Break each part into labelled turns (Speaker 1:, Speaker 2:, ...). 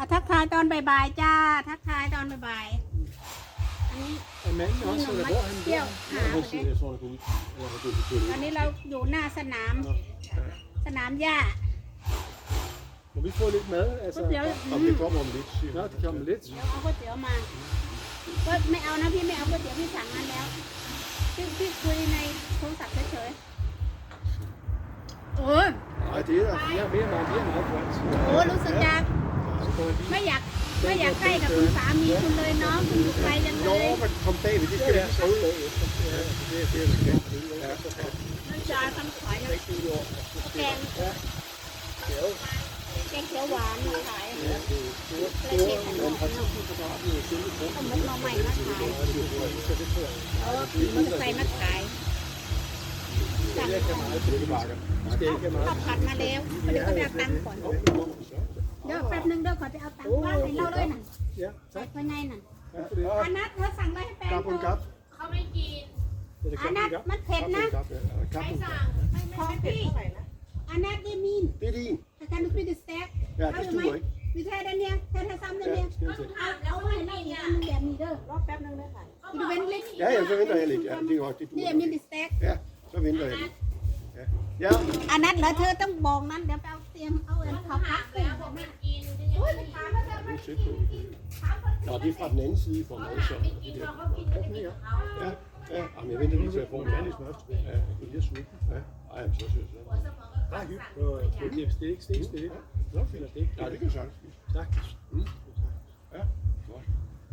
Speaker 1: ทักทายตอนบ่ายๆจ้าทักทายตอนบ่ายๆอันนี้
Speaker 2: En mand også, eller hvor er han
Speaker 1: เที่ยว
Speaker 2: der?
Speaker 1: หา
Speaker 2: Ja, han siger, jeg tror, han går ud. Eller han går ud til
Speaker 1: ตอนนี้เราอยู่หน้าสนามหญ้า
Speaker 2: Må vi få lidt mad? Altså,
Speaker 3: Om det kommer om lidt, siger
Speaker 2: Nå, det kommer lidt.
Speaker 1: เดี๋ยวเอาก๋วยเตี๋ยวมาก็ไม่เอานะพี่ไม่เอาก๋วยเตี๋ยวพี่สั่งมาแล้วพี่คุยในโทรศัพท์เฉยๆโอ้ย
Speaker 3: Nej, det er der.
Speaker 2: Mere meget godt.
Speaker 1: โอ้รู้สึกจะ
Speaker 2: Så går jeg lige.
Speaker 1: ไม่อยากใกล้กับคุณสามีคุณเลยเนาะคุณอยู่ไกลจังเลย
Speaker 3: Nå, men kom bagved, det skal vi have skrevet af efter. Ja, det er det, vi kan. Ja.
Speaker 1: น้ำจานทำขายนะแกงเขียวหวานมาขายแล้วเก็บขนมเอาหมกหน่อไม้มาขายมันใส่มาขายสั่งของข้าวผัดมาแล้วเดี๋ยวก็ไปเอาตังค์ก่อนเดี๋ยวแป๊บนึงเดี๋ยวขอไปเอาตังค์ว่างให้เราเลยน่ะ
Speaker 2: Ja,
Speaker 1: ใส่
Speaker 2: tak.
Speaker 1: ภายในน่ะ
Speaker 2: Ja, for det.
Speaker 1: อันนัทเธอสั่งอะไรให้แฟน
Speaker 3: Kap
Speaker 1: เธ
Speaker 3: og en
Speaker 1: อ
Speaker 3: kap.
Speaker 4: เขาไม่กิน
Speaker 2: Er det
Speaker 1: อัน
Speaker 2: godt,
Speaker 1: นัท
Speaker 2: vi er i gang?
Speaker 1: มันเผ็ด
Speaker 3: Kap og
Speaker 1: นะ
Speaker 3: en kap, ja. Eller
Speaker 4: ใคร
Speaker 3: kap og en
Speaker 4: สั่
Speaker 3: kap.
Speaker 4: ง
Speaker 1: ของพี่อันนัทได้มีน
Speaker 3: Det er din.
Speaker 1: แต่การดูพี่ดิสแท็ก
Speaker 3: Ja, det stuer ikke.
Speaker 1: มีแท้ด้านเนี้ยแท้ซ้ำด้าน
Speaker 3: Ja,
Speaker 1: เนี้ย
Speaker 3: skal vi se.
Speaker 1: เอาไว้ให้อีกอันนึงแบบนี้เด้อรอแป๊บนึงได้ค่ะดูเว้นเล็ก
Speaker 3: Ja, ja, så venter jeg lidt. Ja, det er godt, det
Speaker 1: นี่
Speaker 3: duer.
Speaker 1: มีดิสแท็ก
Speaker 3: Ja, så venter jeg lidt. Ja. Ja,
Speaker 1: อันนัทเหรอเธอต้องบอกนั้นเดี๋ยวไปเอาเตรียมเอาเอ็นเขาพัก
Speaker 4: แล้วผมไม่กินจะยัง
Speaker 1: โอ้ย
Speaker 4: ไม่
Speaker 1: ไป
Speaker 4: กิน
Speaker 1: ถามว่าเธอ
Speaker 3: det
Speaker 1: ไม่
Speaker 3: er
Speaker 1: กิ
Speaker 3: tæt
Speaker 1: น
Speaker 3: på. Nå, det er fra den anden side for mig, så.
Speaker 4: ไม่กินพอเขากินจะกินของเขา
Speaker 3: Ja, ja. Jamen, jeg venter lige til at få en kærlig smør. Ja, jeg bliver sulten. Ja. Ej, jamen, så synes jeg.
Speaker 4: หัวสมองก็ต้องสั่ง
Speaker 2: Det er stik, stik, stik.
Speaker 3: Nå, fint. Ja, det kan jeg sagtens spise.
Speaker 2: Sagtens.
Speaker 3: Ja, godt.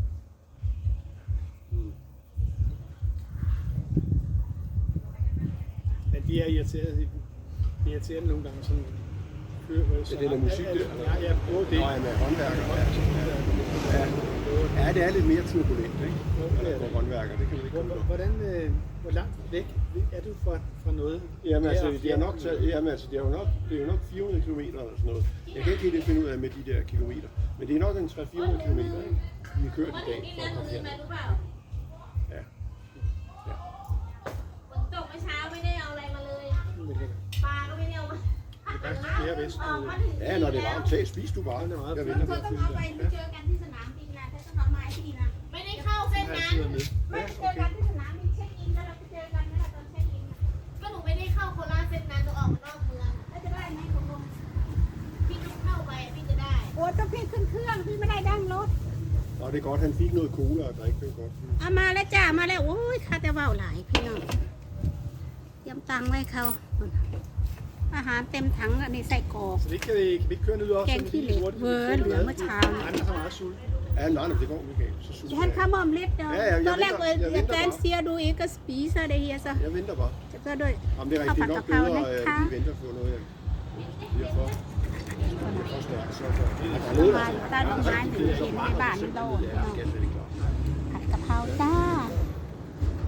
Speaker 2: Men de er irriterede. De er irriterende nogle gange sådan.
Speaker 3: Ja, det er noget musik, det.
Speaker 2: Ja, ja, både det.
Speaker 3: Nå, ja, med håndværker. Ja. Ja, det er lidt mere turbulent, ikke? På håndværker, det kan vi ikke komme på.
Speaker 2: Hvordan, hvor langt væk er du fra noget?
Speaker 3: Jamen altså, det er nok, det er jo nok 400 km eller sådan noget. Jeg kan ikke helt finde ud af med de der kilometer. Men det er nok en 300-400 km, ikke? Vi kører i
Speaker 4: วัน
Speaker 3: dag
Speaker 4: นี้
Speaker 3: for
Speaker 4: นั่
Speaker 3: at
Speaker 4: ง
Speaker 3: komme
Speaker 4: ลืม
Speaker 3: her.
Speaker 4: มาหรือเปล่า
Speaker 3: Ja.
Speaker 4: ฝนตกเมื่อเช้าไม่ได้เอาอะไรมาเลย ปลาก็ไม่ได้เอามา
Speaker 2: Flere vest.
Speaker 3: Ja, når det er varmt, tag, spis du bare. Jeg
Speaker 1: เธ
Speaker 3: venter
Speaker 1: อ
Speaker 3: på
Speaker 1: ต้อง
Speaker 3: at
Speaker 1: เอา
Speaker 3: fylde
Speaker 1: ไป
Speaker 3: dig.
Speaker 1: เจอกันที่สนามบินนะเธอต้องเอาไม้ที่นะ
Speaker 4: ไม่ได้เข้าเส้นนั้น
Speaker 1: ไม่เจอกันที่สนามบินเช็คอินแล้วเราไปเจอกันนะตอนเช็คอิน
Speaker 4: ก็หนูไม่ได้เข้าโคราชเส้นนั้นหนูออกมานอกเมือง
Speaker 1: แล้วจะได้ไหมคุณลุง
Speaker 4: พี่ต้องเข้าไปพี่จะได้
Speaker 1: โอ้ต้องพี่ขึ้นเครื่องพี่ไม่ได้ดั้งรถ
Speaker 3: Nå, det er godt, han fik noget cola og drikke, det var godt.
Speaker 1: เอามาแล้วจ้ามาแล้วโอ้ยข้าแต่เบาหลายพี่น้องเตรียมตังค์ไว้เขาอาหารเต็มถังอันนี้ใส่กรอก
Speaker 2: Så det kan vi ikke køre ned også.
Speaker 1: แกงขี้เหล็กเวอร์เหลือเมื่อเช้า
Speaker 2: Andre har meget sult.
Speaker 3: Ja, nej, men det går, Michael. Så sulten
Speaker 1: ฉัน
Speaker 3: er
Speaker 1: ข้ามอมเล็ดเด้อ
Speaker 3: Ja, ja, jeg
Speaker 1: ตอนแรก
Speaker 3: venter- jeg
Speaker 1: เอ
Speaker 3: venter
Speaker 1: แกน
Speaker 3: bare.
Speaker 1: เซียดูอีกก็สปีซะได้เฮียซะ
Speaker 3: Jeg venter bare.
Speaker 1: ก็ด้วย
Speaker 3: Jamen, det er rigtigt nok
Speaker 1: Kaffe og
Speaker 3: bedre,
Speaker 1: kakao,
Speaker 3: at vi venter på noget, jeg bliver for stærkt. Så der er noget,
Speaker 1: มา
Speaker 3: der
Speaker 1: ตาดอกไม้หนึ่งเห็นในบ้านโดน
Speaker 3: Ja, det skal jeg slet ikke klare.
Speaker 1: ผัดกะเพราจ้า